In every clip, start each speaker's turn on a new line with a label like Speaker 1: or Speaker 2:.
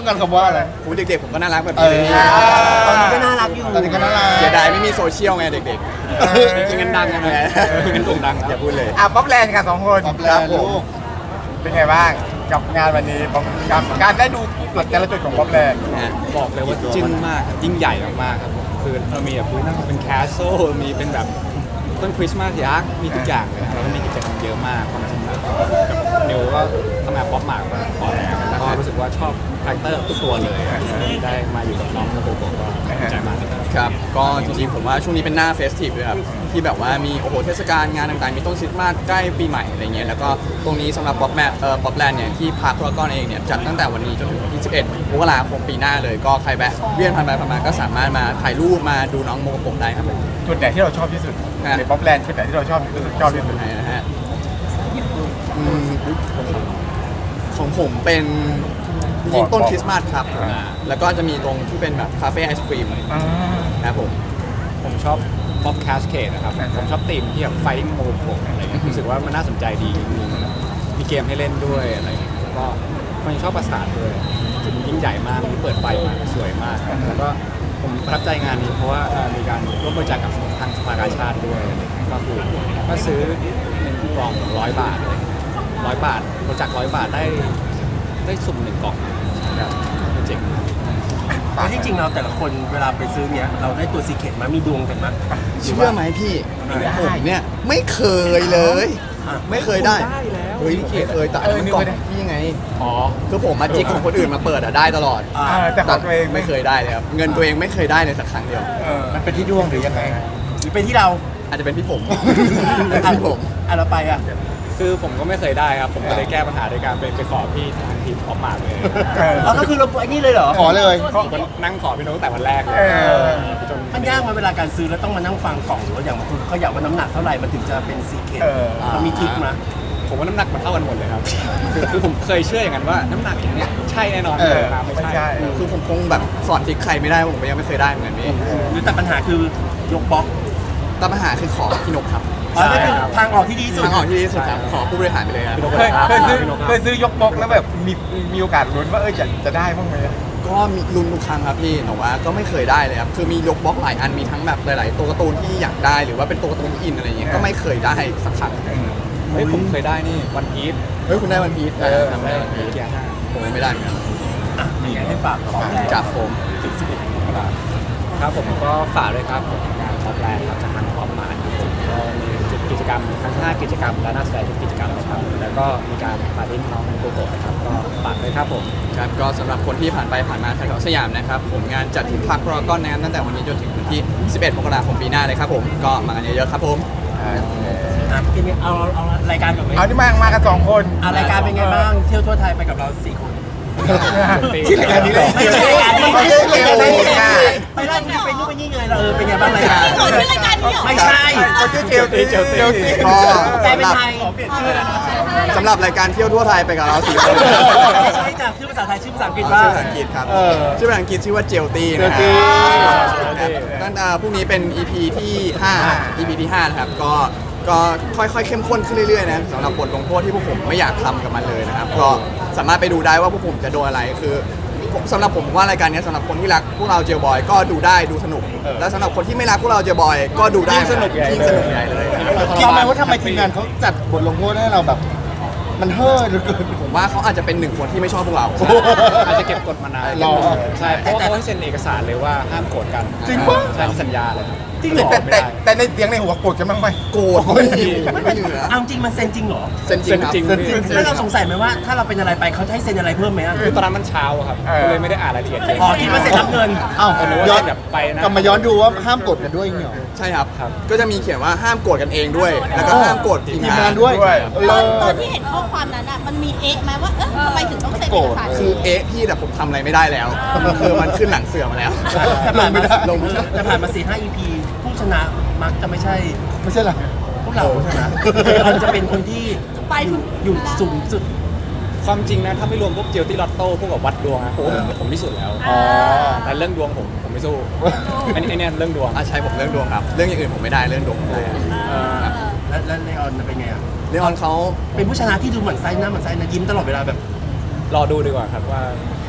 Speaker 1: ต้องการคำว่าอะไร
Speaker 2: โหเด็กๆผมก็น่ารักแบบนี้เลย
Speaker 3: ตอนนี้ก็น่ารักอยู่
Speaker 1: ตอนนี้ก็น่ารัก
Speaker 2: เสียดายไม่มีโซเชียลไงเด็กๆจริงกันดังไงกันโด่งดังอย่าพูดเลย
Speaker 4: ป๊อปแลนด์กัน2 คน
Speaker 1: ตอบแลนด์ลูก
Speaker 4: เป็นไงบ้างกับงานวันนี้กับการได้ดูจุดแต่ละจุดของป๊อปแลนด์
Speaker 5: บอกเลยว่าจึ้งมากครับยิ่งใหญ่มากๆครับผมคือเรามีแบบเป็นแคสโซมีเป็นแบบต้นคริสต์มาสยักษ์มีทุกอย่างเลยครับแล้วก็มีกิจกรรมเยอะมากความจริงแล้วกับนิวก็ทำงานป๊อปมากมาก่อนแล้วแล้วก็รู้สึกว่าชอบคาแรคเตอร์ทุกตัวเลยได้มาอยู่กับน้องกับโกโก้ก็ดีใจมากครับ
Speaker 2: ครับก็จริงๆผมว่าช่วงนี้เป็นหน้าเฟสทีฟด้วยครับที่แบบว่ามีโอ้โหเทศกาลงานต่างๆมีต้นคริสต์มาสใกล้ปีใหม่อะไรเงี้ยแล้วก็ตรงนี้สำหรับป๊อปแลนด์เนี่ยที่พาร์คพารากอนเองเนี่ยจัดตั้งแต่วันนี้จนถึงวันที่11 มกราคมปีหน้าเลยก็ใครแวะเวียนผ่านไปผ่านมาก็สามารถมาถ่ายรูปมาดูน้องโมโกะได้ครับผม
Speaker 4: จุดไหนที่เราชอบที่สุดในป๊อปแลนด์จุดไหนที่เราชอบที่สุด
Speaker 2: ไหนนะฮะอืมของผมเป็นจริงๆต้นคริสต์มาสครับแล้วก็จะมีตรงที่เป็นแบบคาเฟ่ไอศครีมนะครับผม
Speaker 5: ผมชอบป๊อปแคสเคดนะครับผมชอบธีมที่แบบไฟโมโกอะไรเงี้ยรู้สึกว่ามันน่าสนใจดีมีเกมให้เล่นด้วยอะไรเงี้ยแล้วก็ผมชอบประสาทด้วยคือมันยิ่งใหญ่มากมีเปิดไฟมาสวยมากแล้วก็ผมประทับใจงานนี้เพราะว่ามีการร่วมบริจาคกับทางสภากาชาติด้วยอะไรเงี้ยก็คือก็ซื้อ1 กล่อง100 บาทเลย100 บาทบริจาค100 บาทได้สุ่ม1 กล่องครับเจ๋งมาก
Speaker 3: แล้วที่จริงเราแต่ละคนเวลาไปซื้อเนี้ยเราได้ตัวซีเคร็ตมามีดวงกันมั้ย
Speaker 2: เชื่อไหมพี่ผมเนี่ยไม่เคยเลย ไม่เคยได้เฮ้ยไม่เคยแต่อันนั้นกล่องพี่ยังไงคือผมมาจิกของคนอื่นมาเปิดอะได้ตลอด
Speaker 4: แต่ของตัวเอง
Speaker 2: ไม่เคยได้เลยครับเงินตัวเองไม่เคยได้เลยสักครั้งเดียว
Speaker 1: มันเป็นที่ดวงหรือยังไง
Speaker 3: หรือเป็นที่เรา
Speaker 2: อาจจะเป็นพี่ผมพี่ผม
Speaker 3: เราไปอ่ะ
Speaker 5: คือผมก็ไม่เคยได้ครับ ผมก็เลยแก้ปัญหาด้วยการไปขอพี่ทางทีมออฟมาเลย
Speaker 3: เราก็คือเราไอ้นี่เลยเหรอ
Speaker 1: ขอเลย
Speaker 5: ผมก็นั่งขอพี่โน้ตตั้งแต่วันแรกเลยจน
Speaker 3: มันยากมาเวลาการซื้อแล้วต้องมานั่งฟังกล่องหรือว่าอย่างบางคนเขาอยากว่าน้ำหนักเท่าไหร่มันถึงจะเป็นซีเคร็ตมันมีทริคมั้ย
Speaker 5: ผมว่าน้ำหนักมันเท่ากันหมดเลยครับคือผมเคยเชื่ออย่างนั้นว่าน้ำหนักอย่างเนี้ยใช่แน่นอนเลยนะไม่ใช่
Speaker 2: คือผมคงแบบสอนทิกใครไม่ได้ผมก็ยังไม่เคยได้เหมือนกันพี่
Speaker 3: หรือแต่ปัญหาคือยกบล็อก
Speaker 2: แต่ปัญหาคือขอพี่นกครับ
Speaker 3: นั่นคือทางออกที่ดีที่สุด
Speaker 2: ทางออกที่ดีที่สุดครับขอผู้บริหารไปเลยครับ
Speaker 4: เคยซื้อยกบกแล้วแบบมีโอกาสลุ้นว่าจะได้บ้างไหม
Speaker 2: ก็มีลุ้นทุกครั้งครับพี่แต่ว่าก็ไม่เคยได้เลยครับคือมียกบล็อกหลายอันมีทั้งแบบหลายๆตัวการ์ตูนที่อยากได้หรือว่าเป็นตัวการ์ตูนที่อินอะไรอย่างเงี้ยก็ไม่เคยได้สักครั้ง
Speaker 5: เฮ้ยผมเคยได้นี่วันพีช
Speaker 2: เฮ้ยคุณได้วันพีชทำได้วันพีช
Speaker 5: เกียร์ห้า
Speaker 2: ผมยังไม่ได้เหมือนกัน
Speaker 3: อยากให้ฝากกับของแรง
Speaker 2: จับผม
Speaker 5: ถึง11 มกราคมครับผมก็ฝากด้วยครับผมงานท็อปแลนด์ครับจากทางป๊อปมาร์ทครับผมก็มีกิจกรรมทั้ง5 กิจกรรมและน่าสนใจทุกกิจกรรมนะครับแล้วก็มีการปาร์ตี้น้องโกโก้นะครับก็ฝากด้วยครับผม
Speaker 2: ครับก็สำหรับคนที่ผ่านไปผ่านมาแถวๆสยามนะครับผมงานจัดที่พาร์คพารากอนนะครับตั้งแต่วันนี้จนถึงวันที่ 11 มกราคมปีหน้าเลยครับผมก็มากันเยอะๆครับผม
Speaker 3: ทีนี้เอารายการก่อนไหม
Speaker 4: เอาที่มากัน2 คน
Speaker 3: รายการเป็นไงบ้างเที่ยวทั่วไทยไปกับเรา4 คน
Speaker 1: ที่รายการนี้เลย
Speaker 3: ไม่ใช่รายการนี้ไม่ใช่รายการนี้ไปไล่ไปนู่นไปนี่ไงเราเป็นไงบ้างรายการ
Speaker 6: นี่เหรอชื่อรายการนี้เหรอ
Speaker 3: ไม่ใช่
Speaker 4: เขาชื่อเจลตี
Speaker 2: ก็
Speaker 3: แปลเป็นไทย
Speaker 2: สำหรับรายการเที่ยวทั่วไทยไปกับเรา4 คน
Speaker 3: ไม่ใช่จ้ะชื่อภาษาไทยชื่อภาษาอังกฤษว่า
Speaker 2: ชื่อภาษาอังกฤษครับชื่อภาษาอังกฤษชื่อว่าเจลตี้นะค
Speaker 1: เจลตี้
Speaker 2: รับตั้งแต่พรุ่งนี้เป็น EP ที่5 EP ที่5นะครับก็ค่อยๆเข้มข้นขึ้นเรื่อยๆนะสำหรับบทลงโทษที่พวกผมไม่อยากทำกับมันเลยนะครับก็สามารถไปดูได้ว่าพวกผมจะโดนอะไรคือสำหรับผมว่ารายการนี้สำหรับคนที่รักพวกเราเจลบอยก็ดูได้ดูสนุกและสำหรับคนที่ไม่รักพวกเราเจลบอยก็ดูได้ยิ่งสนุกใหญ่เลย
Speaker 1: คิดไหมว่าทำไมทีมงานเขาจัดบทลงโทษให้เราแบบ มันเฮ่อเหลือเกิน
Speaker 2: ผมว่าเขาอาจจะเป็น1 คนที่ไม่ชอบพวกเรา
Speaker 5: อาจจะเก็บกดมานาน
Speaker 1: รอ
Speaker 5: ใช่เพราะว่าเขาให้เซ็นเอกสารเลยว่าห้ามโกรธกัน
Speaker 1: จริงปะ
Speaker 5: ใช่สัญญาเลยครับ
Speaker 3: จริงเหรอ
Speaker 4: แต่ในเสียงในหัวโกรธกันบ้างไหม
Speaker 2: โกรธไม่เหลือ
Speaker 3: เอาจริงมันเซ็นจริงเหรอ
Speaker 2: เซ็นจริงครับ
Speaker 5: เซ็นจริง
Speaker 3: แล้วเราสงสัยไหมว่าถ้าเราเป็นอะไรไปเขาจะให้เซ็นอะไรเพิ่มไหมอ่ะ
Speaker 5: คือตอนนั้นมันเช้าอะครับก็เลยไม่ได้อ่านรายละเอียดเยอะ
Speaker 3: อ๋อคิดว่าเซ็นรับเงิน
Speaker 1: อ้าว
Speaker 5: แต่นึกว่า
Speaker 1: ย้อน
Speaker 5: เซ็นแบบไปนะ
Speaker 1: กลับมาย้อนดูว่าห้ามกดกันด้วยอย่างเงี้ยเหรอ
Speaker 2: ใช่ครับ ก็จะมีเขียนว่าห้ามโกรธกันเองด้วย แล้วก็ห้ามโกรธทีม
Speaker 1: ทีม
Speaker 2: งาง
Speaker 1: าน นด้วย
Speaker 6: ตอนที่เห็นข้อความนั้นอ่ะมันมีเอ๊ะไหมว่าทำไมถึงต้องเซ็นเอกสาร
Speaker 2: คือเอ๊ะพี่แต่ผมทำอะไรไม่ได้แล้วคือมันขึ้นหลังเสือมาแล้ว
Speaker 3: แต่ผ่านมา
Speaker 2: ลงไม่ได้
Speaker 3: แต่ผ่านมา4-5 EP ผู้ชนะมักจะไม่ใช่
Speaker 1: ไม่ใช่เหรอ
Speaker 3: พวกเราผู้ชนะเราจะเป็นคนที่
Speaker 6: ไปถึง
Speaker 3: อยู่สูงสุด
Speaker 5: ความจริงนะถ้าไม่รวมพวกเจลตี้ลอตโต้พวกกับวัดดวงนะผมที่สุดแล้ว
Speaker 1: อ๋อ
Speaker 5: แต่เรื่องดวงผมไม่สู้อันนี้เนี่ยเรื่องดวง
Speaker 2: ใช่ผมเรื่องดวงครับ เรื่องอย่างอื่นผมไม่ได้เรื่องดวงผมได้
Speaker 3: แล้วเลออนเป็นไงอ่ะ
Speaker 2: เรื่องของเขา
Speaker 3: เป็นผู้ชนะที่ดูเหมือนไส้หน้าเหมือนไส้นะยิ้มตลอดเวลาแบบ
Speaker 5: รอดูดีกว่าครับว่า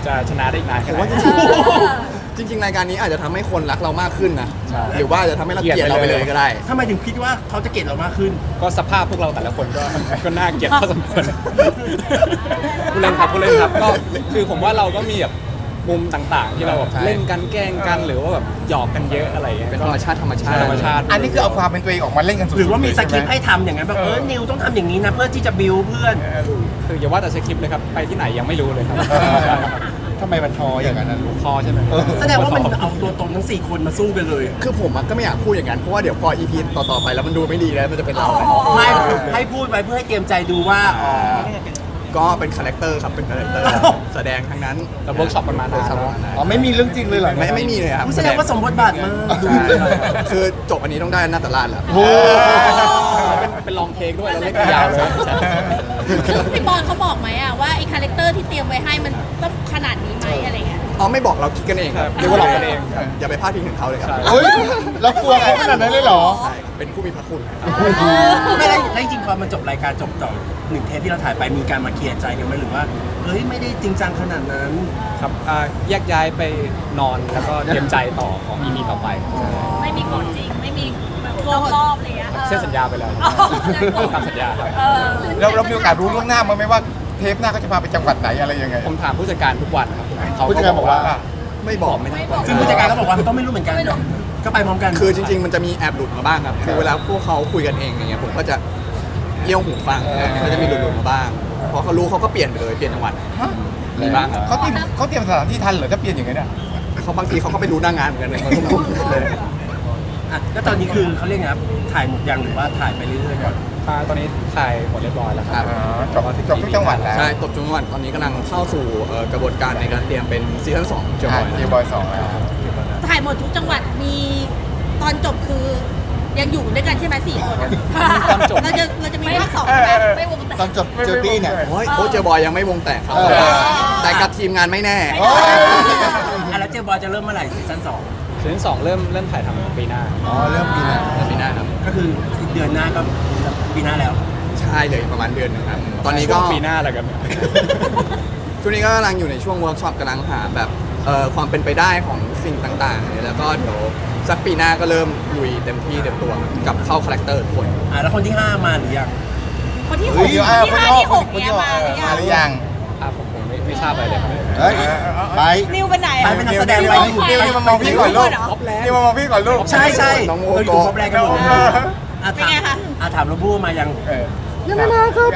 Speaker 5: จะชนะได้อีกนาน
Speaker 2: ผ
Speaker 5: แค่
Speaker 2: ม
Speaker 5: ไหน
Speaker 2: ว่าจริงๆรายการนี้อาจจะทำให้คนรักเรามากขึ้นนะ
Speaker 5: ใช่
Speaker 2: หรือว่าอาจจะทำให้เราเกลียดเราไปเลยก็ได้
Speaker 3: ทำไมถึงคิดว่าเขาจะเกลียดเรามากขึ้น
Speaker 5: ก็สภาพพวกเราแต่ละคนก็น่าเกลียดพอสมควรผู้เล่นครับก็คือผมว่าเราก็มีแบบมุมต่างๆ ที่เราแบบ
Speaker 2: ใช่
Speaker 5: เล่นกันแกล้งกันหรือว่าแบบหยอกกันเยอะอะไรอย่างเงี้ย
Speaker 2: เป็นธรรมชาติธรรมชาติ
Speaker 5: ธรรมชาติ
Speaker 4: อันนี้คือเอาความเป็นตัวเองออกมาเล่นกันสุดๆ
Speaker 3: หรือว่ามีสคริปต์
Speaker 4: เลย
Speaker 3: ให้ทำอย่างนั้นแบบนิวต้องทำอย่างนี้นะเพื่อที่จะบิวเพื่อน
Speaker 5: คืออย่าว่าแต่สคริปต์เลยครับไปที่ไหนยังไม่รู้เลยครับใช่ครับ
Speaker 1: ทำไมมันทออย่างนั้นนะลูก
Speaker 5: พอใช่ไหม
Speaker 3: แสดงว่ามันเอาตัวตนทั้ง 4 คนมาสู้กันเลย
Speaker 2: คือผมอะก็ไม่อยากพูดอย่างนั้นเพราะว่าเดี๋ยวพอ EP ต่อๆไปแล้วมันดูไม่ดีแล้วมันจะเป็นเราไง
Speaker 3: ไม่ให้พูดไว้เพื่อให้เตรียมใจดูว่า
Speaker 2: ก็เป็นคาแรคเตอร์ครับเป็นคาแรคเตอร์แสดงทั้งนั้น
Speaker 5: เราเวิร์กช็อปกันมานานแล้ว
Speaker 1: อ๋อไม่มีเรื่องจริงเลยเหรอ
Speaker 2: ไม่มีเลยครับ
Speaker 3: แสดงว่าสมบทบาทมาก
Speaker 2: ใช่คือจบอันนี้ต้องได้นาตราชแล้ว
Speaker 1: โอ้
Speaker 5: เป็นลองเทคด้วยเราเล่นยาวเลย
Speaker 6: พี่บอลเขาบอกไหมอะว่าไอ้คาแรคเตอร์ที่เตรียมไว้ให้มันต้องขนาดนี้ไหมอะไรเงี้ย
Speaker 2: อ๋อไม่บอกเราคิดกันเองครับ
Speaker 5: เรียกว่าหลอกกันเอง
Speaker 2: อย่าไปพลาดพิงถึงเขาเลยครับ
Speaker 5: ใช่
Speaker 1: เฮ้ยเรากลัวเขาขนาดนั้นเลยเหรอ
Speaker 2: ใช่เป็นผู้มีพระคุณครับ
Speaker 3: ไม่ได้จริงๆพอมันจบรายการจบต่อ1 เทปที่เราถ่ายไปมีการมาเคลียร์ใจกันไหมหรือว่าเฮ้ยไม่ได้จริงจังขนาดนั้น
Speaker 5: ครับแยกย้ายไปนอนแล้วก็เตรียมใจต่อของ EP ต่อไป
Speaker 6: ไม่มีกฎจริงไม่มีแบบรอบๆอะไรเงี้ย
Speaker 5: เส้นสัญญาไปเลยตามสัญญาครับ
Speaker 4: เรามีโอกาสรู้ล่วงหน้ามั้ยไหมว่าเทปหน้าเขาจะพาไปจังหวัดไหนอะไรยังไง
Speaker 5: ผมถามผู้จัดการทุกวันครับเขา
Speaker 1: ผู้จัดการบอกว่า
Speaker 2: ไม่บอกไม่ได้
Speaker 3: ซึ่งผู้จัดการก็บอกว่าก็ไม่รู้เหมือนกันก็ไปพร้อมกัน
Speaker 2: คือจริงๆ มันจะมีแอบหลุดมาบ้างครับ คือเวลาพวกเขาคุยกันเองอย่างเงี้ยผมก็จะเยี่ยวหูฟังก็จะมีหลุดๆมาบ้างพอเขารู้เขาก็เปลี่ยนไปเลยเปลี่ยนจังหวัดมีบ้างครับ
Speaker 4: เขาเตรียมสถานที่ทันเหรอถ้าเปลี่ยนอย่างนี้เนี่ย
Speaker 2: เขาบางทีเขาก็ไปดูหน้างานเหมือนกันเลยเลย
Speaker 3: อ่ะแล้วตอนนี้คือเขาเรียกไงครับถ่ายหมดยังหรือว่าถ่ายไปเรื่อยๆก่อน
Speaker 5: ตอนนี้ถ่ายหมดเรียบร้อยแล้วครับ
Speaker 4: จบทุกจังหวัดแล้ว
Speaker 2: ใช่ตบจังหวัดตอนนี้กำลังเข้าสู่กระบวนการในการเตรียมเป็นซีซั่น2เจอ
Speaker 4: เจบอย2แล้ว
Speaker 6: ถ่ายหมดทุกจังหวัดมีตอนจบคือยังอยู่ด้วยกันใช่ไหม4 คนอะ
Speaker 5: ตอนจบ
Speaker 6: เราจะมีภาค2ใช่ไหมไม่วงแต่
Speaker 1: ตอนจบเจอตี้เนี่ย
Speaker 2: โอ้ยเจอบอยยังไม่วงแตกครับ แต่กับทีมงานไม่แน่
Speaker 1: โอ้ย
Speaker 3: อ่ะแล้วเจบอยจะเริ่มเมื่อไหร่ซีซั่น
Speaker 5: ซีซั่น2เริ่มถ่ายทำปีหน้า
Speaker 1: อ๋อเริ่มปีหน้า
Speaker 2: ปีหน้าครับ
Speaker 3: 2ก็คือเดือนหน้าก็ปีหน้าแล้ว
Speaker 2: ใช่เลยประมาณเดือนหนึงครับตอนนี้ก็
Speaker 5: ช่วงปีหน้าอะไรกันเนี่ย
Speaker 2: ช่วงนี้ก็กำลังอยู่ในช่วงเวิร์กช็อปกำลังหาแบบความเป็นไปได้ของสิ่งต่างๆเนี่ยแล้วก็เดี๋ยวสักปีหน้าก็เริ่มลุยเต็มที่เต็มตัวกับเข้าคาแรคเตอร์ทุกคน
Speaker 3: อ่ะแล้วคนที่ 5 มาหรือยัง
Speaker 6: คนที่
Speaker 1: เฮ้ย
Speaker 6: 6คนที่5ที่6เนี่ยมาหรือ
Speaker 4: มาหรือ
Speaker 6: ยั
Speaker 4: ยัง ง
Speaker 5: ผมไม่ทราบอะไรเลยครับ
Speaker 1: เฮ้ยไป
Speaker 6: นิวไปไหน
Speaker 3: ไป
Speaker 6: อะ
Speaker 3: เป็นนักแสดงไป
Speaker 4: นิวมามองพี่ก่อนลูกนิวมามองพี่ก่อนลูก
Speaker 3: ใช่ใช่
Speaker 2: น้องโม
Speaker 3: เราอยู่
Speaker 2: โกะ
Speaker 3: ครบแรกกันหมด
Speaker 6: เป็นไงคะ
Speaker 3: ถามโรบูมายัง
Speaker 4: ยังไม่มาครับ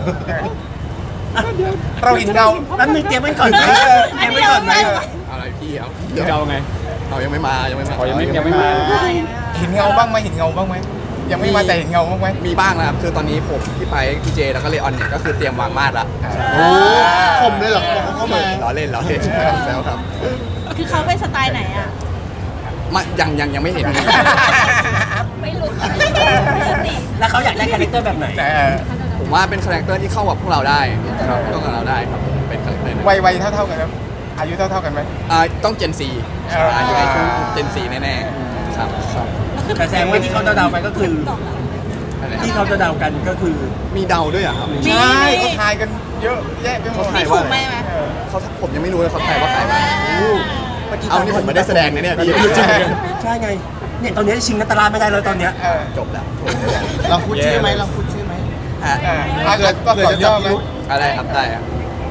Speaker 4: เราเห็นเงา
Speaker 3: แป๊บนึงเตรียมไว้ก่อนไหมเตรียมไว้ก่อนไหม
Speaker 2: อะไรพี่เอา
Speaker 5: เดี๋ยวจะเอาไง
Speaker 2: เอายังไม่มา
Speaker 5: อ๋อยังไม่มา
Speaker 4: เห็นเงาบ้างไหมเห็นเงาบ้างไหมยังไม่มาแต่เห็นเงาบ้างไหม
Speaker 2: มีบ้างนะครับคือตอนนี้ผมพี่ไปพี่เจแล้วก็เลออนเนี่ยก็คือเตรียมวางมาดละ
Speaker 1: โอ้คมเลยเหรอบอกเขาเข้ามา
Speaker 2: ล้อเล่นแล้วครับ
Speaker 6: คือเขาเป็นสไตล์ไหนอะ
Speaker 2: ยังไม่เห็น
Speaker 6: ไม่รู้
Speaker 3: แล้วเขาอยากได้คาแรคเตอร์แบบไหน
Speaker 2: ผมว่าเป็นคาแรคเตอร์ที่เข้ากับพวกเราได้เข้ากับเราได้ครับเป็นคาแรคเตอร์นั้น
Speaker 4: วัยเท่ากันครับอายุเท่ากันไหม
Speaker 2: ต้องเจนซีอยู่ในช่วงเจนซีแน่ๆครับ
Speaker 3: แต่แสดงว่าที่เขาเดาๆไปก็คือ ที่เขาจะเดากันก็คือ
Speaker 2: มีเดาด้วยเหรอครับ
Speaker 6: มี
Speaker 4: ใช่เขาทายกันเยอะแยะไปหมด
Speaker 2: เขาทาย
Speaker 6: ถู
Speaker 2: ว่าก
Speaker 6: ไหมไหม
Speaker 2: เขาผมยังไม่รู้เลยเขาทายว่าใครบ้างเอานี่ผมไม่ได้แสดงนะเนี่ยพี่
Speaker 3: ใช่ไงเนี่ยตอนนี้ชิงนัตตาลาไม่ได้เลยตอนเนี้ย
Speaker 2: จบแล้ว
Speaker 1: ลองพูดชื่อไหมลองพูดชื่อไหม
Speaker 2: ฮะ
Speaker 4: เกิดก็ขอย่อไหม
Speaker 2: อะไรครับได้ครับ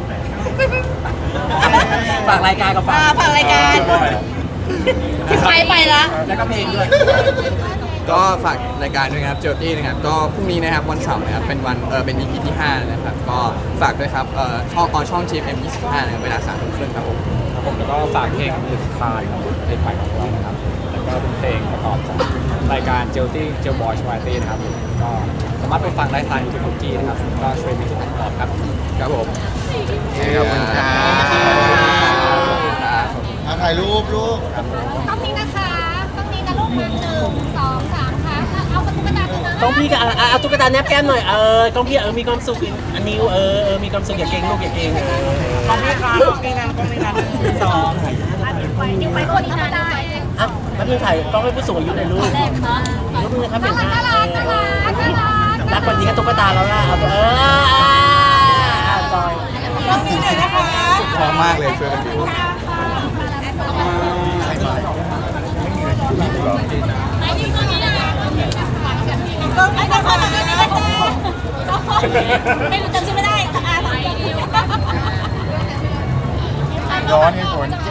Speaker 3: ฝากรายการกับ
Speaker 6: ฝากรายการพี่ไปละ
Speaker 3: แล้วก็เพลงด้วย
Speaker 2: ก็ฝากรายการด้วยนะครับเจอตี้นะครับก็พรุ่งนี้นะครับวันเสาร์นะครับเป็นวันเป็น EP ที่5นะครับก็ฝากด้วยครับช่อง GMM 25นะครับเวลา 3:30 ครับผม
Speaker 5: ครับผมแล้วก็ฝากเพลงหลุดคลายครับเพลงใหม่ของเรานะครับแล้วก็เป็นเพลงประกอบของรายการเจลตี้เจลบอยชวาตี้นะครับก็สามารถไปฟังได้ทางยูทูบคุกกี้นะครับก็ช่วยมีจุดประกอบครับ
Speaker 2: ครับผม
Speaker 4: ขอบคุณครับ
Speaker 1: ถ่ายรูปลูก
Speaker 7: ต้องนี้นะคะต้องนี้นะลูกนะ1 2 3ค่ะเอาตุ๊กตาตัวนั้น
Speaker 3: ต้องพี่กับเอาตุ๊กตาแนบแก้มหน่อยต้องพี่มีความสุขอันนิวมีความสุขอย่าเก่งลูกอย่าเก่งต้องพี่ครับต้องพี่นั้นสอง
Speaker 7: นิ้วไปคนนี้นะได้
Speaker 3: อ่ะแล้วพี่ถ่ายต้องให้ผู้สูงอายุในอยลูกยกมือครับเป็นหน้ารักกว่านี้ก็ตุ๊กตาแล้วล่ะเอาจอย
Speaker 6: ต้องมีหน่อยนะคะ
Speaker 2: พร้อมมากเลยช่วยกันดู
Speaker 7: ไอ้นี่ก็นี่นะก็ไอ้ก็คนนี้นะไม่รู้จำชื่อไม่ได้อ่าน
Speaker 4: ย้อนให้คน
Speaker 7: จะ